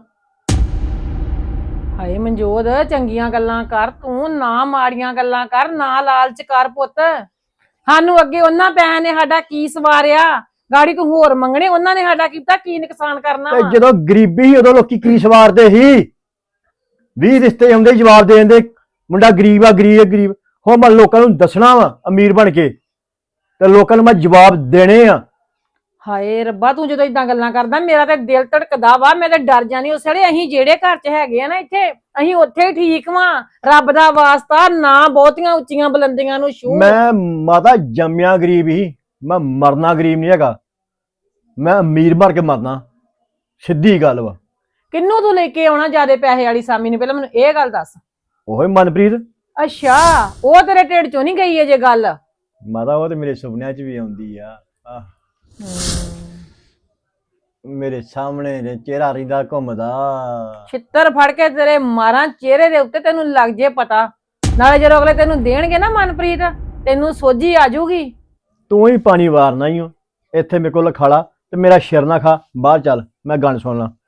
ਹਾਏ ਮਨਜੋਤ ਚੰਗੀਆਂ ਗੱਲਾਂ ਕਰ ਤੂੰ, ਨਾ ਮਾੜੀਆਂ ਗੱਲਾਂ ਕਰ, ਨਾ ਲਾਲਚ ਕਰ ਪੁੱਤ। ਸਾਨੂੰ ਅੱਗੇ ਉਹਨਾਂ ਪੈਸਿਆਂ ਨੇ ਸਾਡਾ ਕੀ ਸਵਾਰਿਆ, ਗਾੜੀ ਤੂੰ ਹੋਰ ਮੰਗਣੇ, ਉਹਨਾਂ ਨੇ ਸਾਡਾ ਕੀਤਾ ਕੀ ਨੁਕਸਾਨ ਕਰਨਾ
ਤੇ
ਵਾ।
ਜਦੋਂ ਗਰੀਬੀ ਸੀ ਉਦੋਂ ਲੋਕੀ ਕੀ ਸਵਾਰਦੇ ਸੀ, ਵੀਹ ਰਿਸ਼ਤੇ ਆਉਂਦੇ ਜਵਾਬ ਦੇ ਦਿੰਦੇ ਮੁੰਡਾ ਗਰੀਬ ਆ ਗਰੀਬ ਆ ਗਰੀਬ। ਹੁਣ ਮੈਂ ਲੋਕਾਂ ਨੂੰ ਦੱਸਣਾ ਵਾ ਅਮੀਰ ਬਣ ਕੇ, ਤੇ ਲੋਕਾਂ ਨੂੰ ਮੈਂ ਜਵਾਬ ਦੇਣੇ ਆ।
ਹਾਏ ਰੱਬਾ ਤੂੰ ਜਦੋਂ ਇਦਾਂ ਗੱਲਾਂ ਕਰਦਾ ਮੇਰਾ ਤੇ ਦਿਲ ਧੜਕਦਾ ਵਾ, ਮੈਂ ਤੇ ਡਰ ਜਾਨੀ ਉਸ ਵੇਲੇ। ਅਸੀਂ ਜਿਹੜੇ ਘਰ 'ਚ ਹੈਗੇ ਆ ਨਾ ਇੱਥੇ, ਅਸੀਂ ਉੱਥੇ ਹੀ ਠੀਕ ਵਾਂ। ਰੱਬ ਦਾ ਵਾਸਤਾ ਨਾ ਬਹੁਤੀਆਂ ਉੱਚੀਆਂ ਬੁਲੰਦੀਆਂ ਨੂੰ ਛੂਹ।
ਮੈਂ ਮਾਤਾ ਜੰਮਿਆ ਗਰੀਬ ਹੀ, ਮੈਂ ਮਰਨਾ ਗਰੀਬ ਨਹੀਂ ਹੈਗਾ, ਮੈਂ ਅਮੀਰ ਬਣ ਕੇ ਮਰਨਾ, ਸਿੱਧੀ ਗੱਲ ਵਾ।
ਕਿੰਨੂੰ ਤੂੰ ਲੈ ਕੇ ਆਉਣਾ ਜਿਆਦੇ ਪੈਸੇ ਵਾਲੀ ਸਾਮੀ ਨੂੰ, ਪਹਿਲਾਂ ਮੈਨੂੰ ਇਹ ਗੱਲ ਦੱਸ।
ਉਹੀ ਮਨਪ੍ਰੀਤ।
ਅੱਛਾ ਉਹ ਤੇਰੇ ਢਿੱਡ ਚੋਂ ਨਹੀਂ ਗਈ ਅਜੇ ਗੱਲ?
ਮਾਤਾ ਉਹ ਤੇ ਮੇਰੇ ਸੁਪਨਿਆਂ 'ਚ ਵੀ ਆਉਂਦੀ ਆ, ਆਹ ਮੇਰੇ ਸਾਹਮਣੇ ਨੇ ਚਿਹਰਾ ਰਿੰਦਾ ਘੁੰਮਦਾ।
ਛਿੱਤਰ ਫੜ ਕੇ ਤੇਰੇ ਮਾਰਾਂ ਚਿਹਰੇ ਦੇ ਉੱਤੇ, ਤੈਨੂੰ ਲੱਗ ਜੇ ਪਤਾ। ਨਾਲੇ ਜਦੋਂ ਅਗਲੇ ਤੈਨੂੰ ਦੇਣਗੇ ਨਾ ਮਨਪ੍ਰੀਤ, ਤੈਨੂੰ ਸੋਝੀ ਆ ਜਾਊਗੀ।
ਤੂੰ ਹੀ ਪਾਣੀ ਵਾਰਨਾ ਹੀ ਹੋ ਇੱਥੇ, ਮੇਰੇ ਕੋਲ ਖਾਲਾ ਤੇ ਮੇਰਾ ਸਿਰ ਨਾ ਖਾ, ਬਾਹਰ ਚੱਲ ਮੈਂ ਗਾਣ ਸੁਣ ਲਾਂ।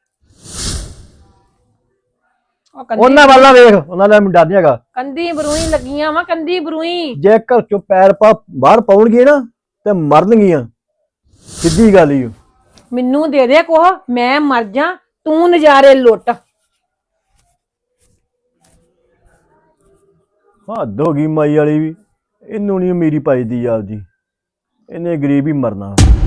ਉਹਨਾਂ ਵਾਲਾ ਵੇਖ, ਉਹਨਾਂ ਦਾ ਮੈਨੂੰ ਡਰ ਨਹੀਂ ਹੈਗਾ।
ਕੰਦੀ ਬਰੂਈ ਲੱਗੀਆਂ ਵਾ, ਕੰਦੀ ਬਰੂਈ।
ਜੇ ਘਰ ਚੋਂ ਪੈਰ ਪਾ ਬਾਹਰ ਪਾਉਣਗੇ ਨਾ ਤੇ ਮਰਨਗੀਆਂ, ਸਿੱਧੀ ਗੱਲ ਹੀ।
ਮੈਨੂੰ ਦੇ ਦੇ ਕੋਹ, ਮੈਂ ਮਰ ਜਾ, ਤੂੰ ਨਜ਼ਾਰੇ ਲੁੱਟ।
ਹੱਦ ਹੋ ਗਈ ਮਾਈ ਵਾਲੀ ਵੀ, ਇਹਨੂੰ ਨਹੀਂ ਅਮੀਰੀ ਪਾਈਦੀ ਆਪਦੀ, ਇਹਨੇ ਗਰੀਬ ਹੀ ਮਰਨਾ।